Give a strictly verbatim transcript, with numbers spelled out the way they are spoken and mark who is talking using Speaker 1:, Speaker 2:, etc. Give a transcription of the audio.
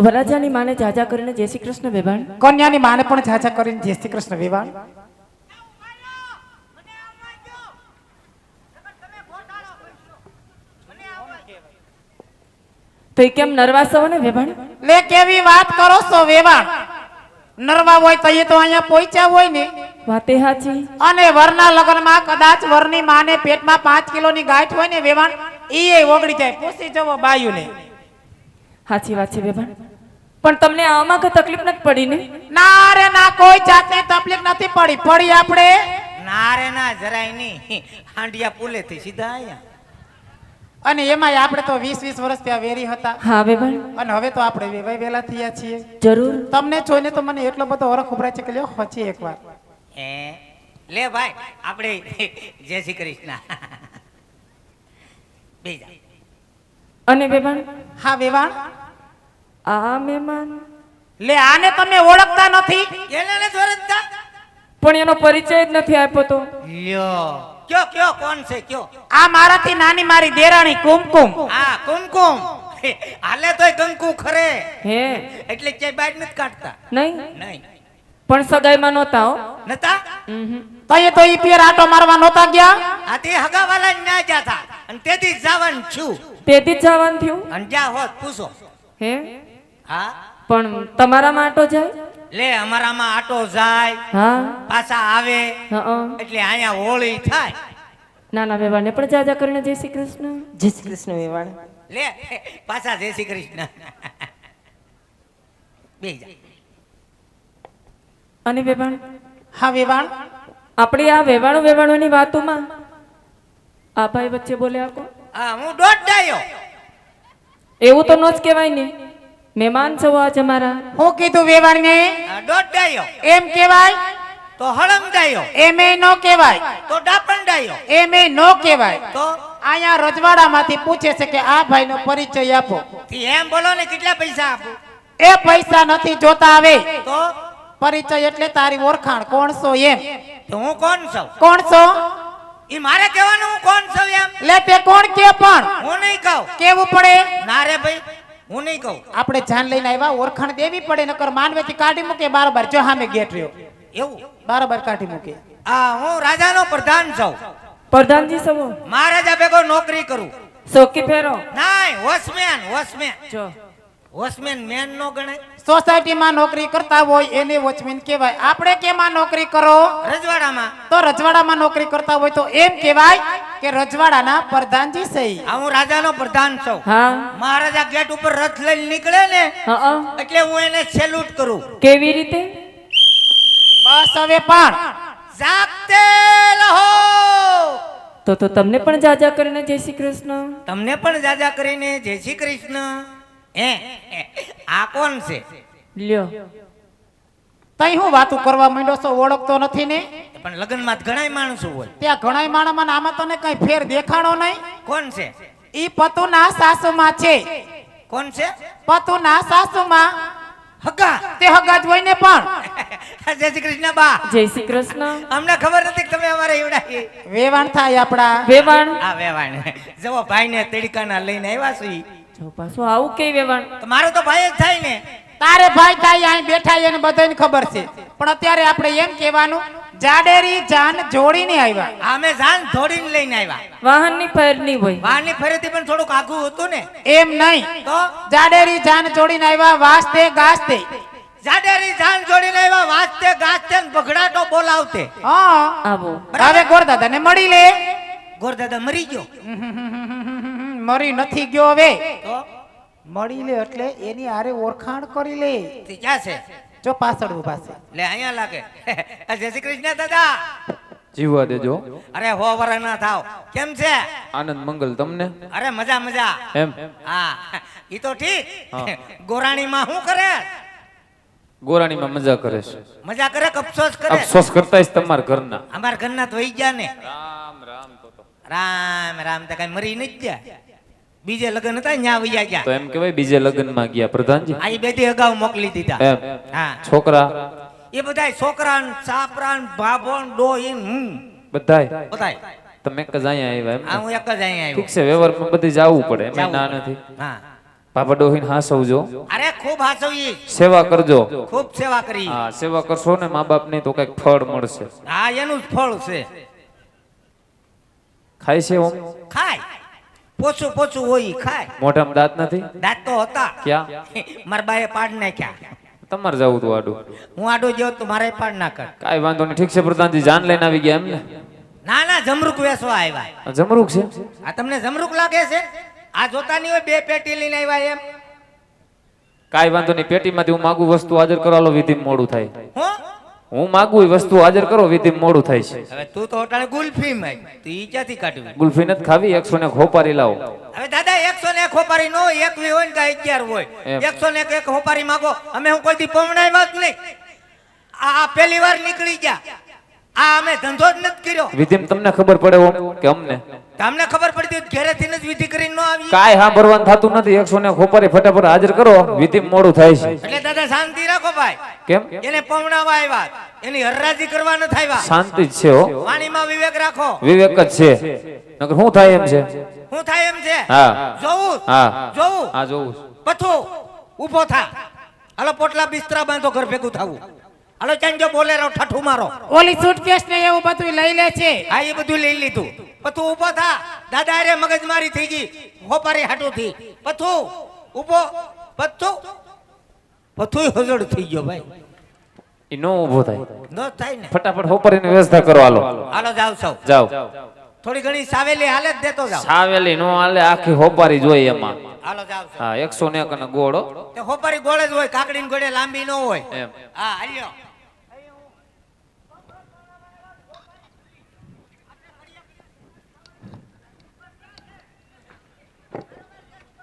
Speaker 1: વરરાજાની માને જાજા કરીને જય શ્રી કૃષ્ણ વેવાણ.
Speaker 2: કન્યાની માને પણ જાજા કરીને જય શ્રી કૃષ્ણ વેવાણ.
Speaker 1: તો એ કેમ નરવા છો ને વેવાણ?
Speaker 2: લે કેવી વાત કરો છો વેવાણ? નરવા હોય તો એ તો અહીંયા પહોંચ્યા હોય ને.
Speaker 1: વાતે હાચી.
Speaker 2: અને વરના લગ્નમાં કદાચ વરની માને પેટમાં પાંચ કિલોની ગાંઠ હોય ને વેવાણ, ઈ ઓગળી જાય. પૂછી જવો બાયુને.
Speaker 1: હાચી વાત છે વેવાણ. પણ તમને આમાં કઈ તકલીફ નથી પડી ને?
Speaker 2: ના રે ના, કોઈ જાતની તકલીફ નથી પડી. પડી આપણે
Speaker 3: ના રે ના, જરાય નહીં. હાંડિયા પુલે થી સીધા આયા.
Speaker 2: અને એમાં આપણે તો વીસ વીસ વર્ષ ત્યાં વેરી હતા.
Speaker 1: હા વેવાણ.
Speaker 2: અને હવે તો આપણે વેવાય વેલા થયા છીએ.
Speaker 1: જરૂર.
Speaker 2: તમને જોઈને તો મને એટલો બધો હરખ ઉભરાય છે કે લ્યો હજી એકવાર.
Speaker 3: હે લે ભાઈ, આપણે જય શ્રી કૃષ્ણ. બેજા.
Speaker 1: અને વેવાણ,
Speaker 2: હા વેવાણ.
Speaker 1: આ મહેમાન
Speaker 2: લે આને તમે ઓળખતા નથી?
Speaker 3: એને ને જોરતા
Speaker 1: પણ એનો પરિચય જ નથી આપ્યો તો.
Speaker 3: લ્યો કયો કયો કોણ છે કયો?
Speaker 2: આ મારાથી નાની મારી દેરાણી કુમકુમ.
Speaker 3: હા કુમકુમ. હાલે તોય કંકુ ખરે.
Speaker 1: હે
Speaker 3: એટલે ક્યાંય બાદ નથી કાઢતા.
Speaker 1: નહીં
Speaker 3: નહીં
Speaker 1: પણ સગાઈમાં નહોતા હો.
Speaker 3: નતા?
Speaker 2: તઈએ તો ઈ પેર આટો મારવા નહોતા ગયા?
Speaker 3: આ તે હગાવાલા ના જાતા અને તેથી જવાનું છું.
Speaker 1: તેથી જ જવાનું થયું.
Speaker 3: અને જા હોત પૂછો.
Speaker 1: હે
Speaker 3: હા
Speaker 1: પણ તમારામાં આટો જાય?
Speaker 3: લે અમારામાં આટો જાય
Speaker 1: હા
Speaker 3: પાછા આવે
Speaker 1: હા.
Speaker 3: એટલે અહીંયા હોળી થાય.
Speaker 1: નાના વેવાણને પણ જાજા કરીને જય શ્રી કૃષ્ણ. જય શ્રી કૃષ્ણ વેવાણ.
Speaker 3: લે પાછા જય શ્રી કૃષ્ણ. બેજા.
Speaker 1: અને વેવાણ,
Speaker 2: હા વેવાણ.
Speaker 1: આપણી આ વેવાણો વેવાણોની વાતોમાં આ ભાઈ વચ્ચે બોલ્યા કો.
Speaker 3: હા હું દોઢ ડાયો.
Speaker 1: એવું તો ન જ કહેવાય ને. મહેમાન છો આજ અમારા.
Speaker 2: હું કીધું વેવાણ ને?
Speaker 3: હા, દોઢ ડાયો.
Speaker 2: એમ કેવાય?
Speaker 3: તો હળમ ડાયો.
Speaker 2: એમે નો કેવાય.
Speaker 3: તો ડાપણ ડાયો.
Speaker 2: એમે નો કેવાય.
Speaker 3: તો
Speaker 2: અહીંયા રજવાડામાંથી પૂછે છે કે આ ભાઈનો પરિચય આપો.
Speaker 3: થી એમ બોલો ને કેટલા પૈસા આપું?
Speaker 2: એ પૈસા નથી જોતા. આવે
Speaker 3: તો
Speaker 2: પરિચય એટલે તારી ઓળખાણ. કોણ છો એમ?
Speaker 3: તો હું કોણ છું?
Speaker 2: કોણ છો?
Speaker 3: ઈ મારે કહેવાનું હું કોણ છું એમ?
Speaker 2: લે તે કોણ કે પણ
Speaker 3: હું નહીં કહું.
Speaker 2: કેવું પડે?
Speaker 3: ના રે ભાઈ હું નહીં કહું.
Speaker 2: આપણે જાન લઈને આવ્યા, ઓળખાણ દેવી પડે, નકર માનવેથી કાઢી મૂકે બારબાર. જો સામે ગેટ રહ્યો,
Speaker 3: એવું?
Speaker 2: બારબાર કાઢી મૂકે.
Speaker 3: આ હું રાજાનો પ્રધાન છું.
Speaker 1: પ્રધાનજી સવો
Speaker 3: મહારાજા ભેગો નોકરી કરું.
Speaker 1: સોકી ફેરો.
Speaker 3: નાય વોચમેન. વોચમેન
Speaker 1: જો
Speaker 3: વોચમેન મેન નો ગણાય.
Speaker 2: સોસાયટીમાં નોકરી કરતા હોય એને વોચમેન કહેવાય. આપણે કેમાં નોકરી કરો?
Speaker 3: રજવાડામાં.
Speaker 2: તો રજવાડામાં નોકરી કરતા હોય તો એમ કહેવાય કે રજવાડાના પ્રધાનજી સહી.
Speaker 3: આ હું રાજાનો પ્રધાન છું.
Speaker 1: હા
Speaker 3: મહારાજા ગેટ ઉપર રથ લઈને નીકળે ને
Speaker 1: હા.
Speaker 3: એટલે હું એને સેલ્યુટ કરું.
Speaker 1: કેવી રીતે?
Speaker 2: બસ હવે પણ
Speaker 3: જાગતે રહો.
Speaker 1: તો તો તમને પણ જાજા કરીને જય શ્રી કૃષ્ણ.
Speaker 3: તમને પણ જાજા કરીને જય શ્રી કૃષ્ણ. હે આ કોણ છે?
Speaker 1: લ્યો
Speaker 2: તઈ હું વાતું કરવા માંડ્યો છો? ઓળખતો નથી ને?
Speaker 3: પણ લગ્નમાં ઘણા માણસો હોય.
Speaker 2: ત્યાં ઘણા માણસમાં ને આમાં તને કઈ ફેર દેખાણો નહીં?
Speaker 3: કોણ છે?
Speaker 2: ઈ પતુના સાસુમાં છે.
Speaker 3: કોણ છે?
Speaker 2: પતુના સાસુમાં.
Speaker 3: હગા.
Speaker 2: તે હગા જ હોય ને પણ.
Speaker 3: જય શ્રી કૃષ્ણ બા.
Speaker 1: જય શ્રી કૃષ્ણ.
Speaker 3: અમને ખબર નથી કે તમે અમારે એવડા
Speaker 2: વેવાણ થાય આપડા.
Speaker 1: વેવાણ
Speaker 3: આ વેવાણ જવો ભાઈને તડકાના લઈને આવ્યા છો. ઈ
Speaker 1: જો પાછું આવું કઈ વેવાણ?
Speaker 3: તો મારો તો ભાઈ જ થાય ને.
Speaker 2: તારે ભાઈ થાય અહીં બેઠા એને બધાને ખબર છે. પણ અત્યારે આપણે એમ કહેવાનું જાડેરી જાન જોડીને આવ્યા.
Speaker 3: અમે જાન ધોડીને લઈને આવ્યા.
Speaker 1: વાહન ની ફેર નહીં હોય.
Speaker 3: વાહની ફરીથી પણ થોડુંક આઘું હતું ને.
Speaker 2: એમ નહીં,
Speaker 3: તો
Speaker 2: જાડેરી જાન જોડીને આવ્યા. વાસ્તે ગાસ્તે.
Speaker 3: જાડેરી જાન જોડીને આવ્યા. વાજતે ગાજતે ને બગડાટો બોલાવતે.
Speaker 2: હા
Speaker 1: આવો
Speaker 2: હવે ગોરદાદાને મળી લે.
Speaker 3: ગોરદાદા મરી ગયો.
Speaker 2: મરી નથી ગયો. હવે
Speaker 3: તો
Speaker 2: મળી લે એટલે એની હારે ઓળખાણ કરી લે.
Speaker 3: તે ક્યાં છે?
Speaker 2: જો પાછળ ઉભા છે.
Speaker 3: લે અહીંયા લાગે. જય શ્રી કૃષ્ણ દાદા.
Speaker 4: જીવવા દેજો.
Speaker 3: અરે હો વરા ના થાવ. કેમ છે?
Speaker 4: આનંદ મંગલ તમને.
Speaker 3: અરે મજા મજા.
Speaker 4: એમ
Speaker 3: હા ઈ તો ઠીક.
Speaker 4: હા.
Speaker 3: ગોરાણીમાં શું કરે?
Speaker 4: ગોરાણીમાં મજા કરે છે.
Speaker 3: મજા કરે કે અફસોસ કરે?
Speaker 4: અફસોસ કરતા તમારા ઘરના.
Speaker 3: અમાર ઘરના તો વહી ગયા ને.
Speaker 4: રામ રામ તો તો.
Speaker 3: રામ રામ તો કઈ મરી નથી ગયા. બીજે લગ્ન હતા ન્યા વૈયા ગયા.
Speaker 4: તો એમ કહેવાય બીજે લગ્નમાં ગયા પ્રધાનજી.
Speaker 3: આ બે થી અગાઉ મોકલી દીધા.
Speaker 4: એમ
Speaker 3: હા
Speaker 4: છોકરા
Speaker 3: એ બધાય છોકરા ને છાપરા ને ભાભો ને ડોહીન હું
Speaker 4: બધાય
Speaker 3: બધાય
Speaker 4: તમે એક જ અહીંયા આવ્યા એમ
Speaker 3: આ
Speaker 4: ને?
Speaker 3: હું એક જ અહીંયા
Speaker 4: ઠીક
Speaker 3: આવ્યો.
Speaker 4: છે વ્યવહારમાં બધી જવું પડે એમ ના
Speaker 3: જાવું પડે.
Speaker 4: નથી.
Speaker 3: હા
Speaker 4: બાપા ડોહીને હાસવજો,
Speaker 3: અરે ખૂબ હાસવી,
Speaker 4: સેવા કરજો.
Speaker 3: ખૂબ સેવા કરી.
Speaker 4: હા, સેવા કરશો ને મા બાપ ની તો કઈક ફળ મળશે.
Speaker 3: હા, એનું જ ફળ છે.
Speaker 4: ખાય છે ઓમ?
Speaker 3: ખાય, પોચું પોચું હોય ઈ ખાય.
Speaker 4: મોઢામાં દાંત નથી?
Speaker 3: દાંત તો હતા.
Speaker 4: ક્યાં?
Speaker 3: મારા બાએ પાડ નાખ્યા.
Speaker 4: તમારે જવું તું આડું?
Speaker 3: હું આડો ગયો તો મારે પાડ નાખ.
Speaker 4: કાંઈ વાંધો નહીં. ઠીક છે પ્રધાનજી, જાન લઈને આવી ગયા એમ ને?
Speaker 3: ના ના, જમરૂક વેસવા આવ્યા.
Speaker 4: જમરૂક છે?
Speaker 3: આ તમને જમરૂક લાગે છે? આ જોતા નહીં હોય બે પેટી લઈને આવ્યા એમ.
Speaker 4: કાંઈ વાંધો નહીં. પેટીમાંથી હું માગું વસ્તુ હાજર કરો, હાલો વિધિ મોડું થાય.
Speaker 3: હું
Speaker 4: હું માગું એ વસ્તુ હાજર કરો, વિધિ મોડું થાય છે.
Speaker 3: હવે તું તો અટાણે ગુલ્ફી માં તું ઈ ક્યાંથી કાઢવી?
Speaker 4: ગુલ્ફી નથી ખાવી, એકસો ને ખોપારી લાવો.
Speaker 3: હવે દાદા એકસો ને એક હોપારી નો હોય, એક હોય ને અગિયાર હોય.
Speaker 4: એમ.
Speaker 3: એકસો ને એક હોપારી માંગો. અમે હું કોઈ દી પમણાવ્યા જ નહીં. આ આ પહેલી વાર નીકળી ગયા. આ અમે ધંધો જ નથી કર્યો.
Speaker 4: વિધિમાં તમને ખબર પડે ઓમ કે અમને?
Speaker 3: તમને ખબર પડતી હોય તો ઘરેથી જ વિધિ કરીને ન આવી.
Speaker 4: કાંઈ હા ભરવાનું થતું નથી. એકસો ને ખોપારી ફટાફટ હાજર કરો, વિધિ મોડું થાય છે.
Speaker 3: એટલે દાદા શાંતિ રાખો ભાઈ.
Speaker 4: કેમ?
Speaker 3: એને પમણાવા આવ્યા, એની હરરાજી કરવા ન થાય.
Speaker 4: શાંતિ જ છે હો,
Speaker 3: વાણીમાં વિવેક રાખો.
Speaker 4: વિવેક જ છે. નકર શું થાય એમ છે?
Speaker 3: શું થાય એમ છે?
Speaker 4: હા
Speaker 3: જોવું
Speaker 4: હા
Speaker 3: જોવું
Speaker 4: હા જોવું.
Speaker 3: પથું ઊભો થા. હાલો પોટલા બિસ્તરા બાંધો, ઘર ભેગું થવું. હાલો ચાંજો બોલેરો ઠઠું મારો.
Speaker 2: ઓલી સુટકેસ ને એવું બધું લઈ લે છે.
Speaker 3: હા, એ બધું લઈ લીધું. પથું ઊભો થા. દાદા અરે મગજમારી થઈ ગઈ, હોપારી હાટું થી. પથું ઊભો. પથું પથું હજડ થઈ ગયો ભાઈ.
Speaker 4: ઈ નો ઊભો થાય.
Speaker 3: ન થાય ને.
Speaker 4: ફટાફટ હોપારીની વ્યવસ્થા કરો, હાલો
Speaker 3: હાલો જાવ સૌ.
Speaker 4: જાઓ.
Speaker 3: થોડી ઘણી સાવેલી હાલે જ દેતો જાવ.
Speaker 4: સાવેલી નો હાલે, આખી હોપારી જોઈએ એમાં.
Speaker 3: હાલો જાવ સૌ.
Speaker 4: હા, એકસો ને એક અને ગોળો
Speaker 3: તે હોપારી ગોળે જ હોય, કાકડી ગોળે લાંબી ન હોય.
Speaker 4: એમ.
Speaker 3: હા હાલ્યો.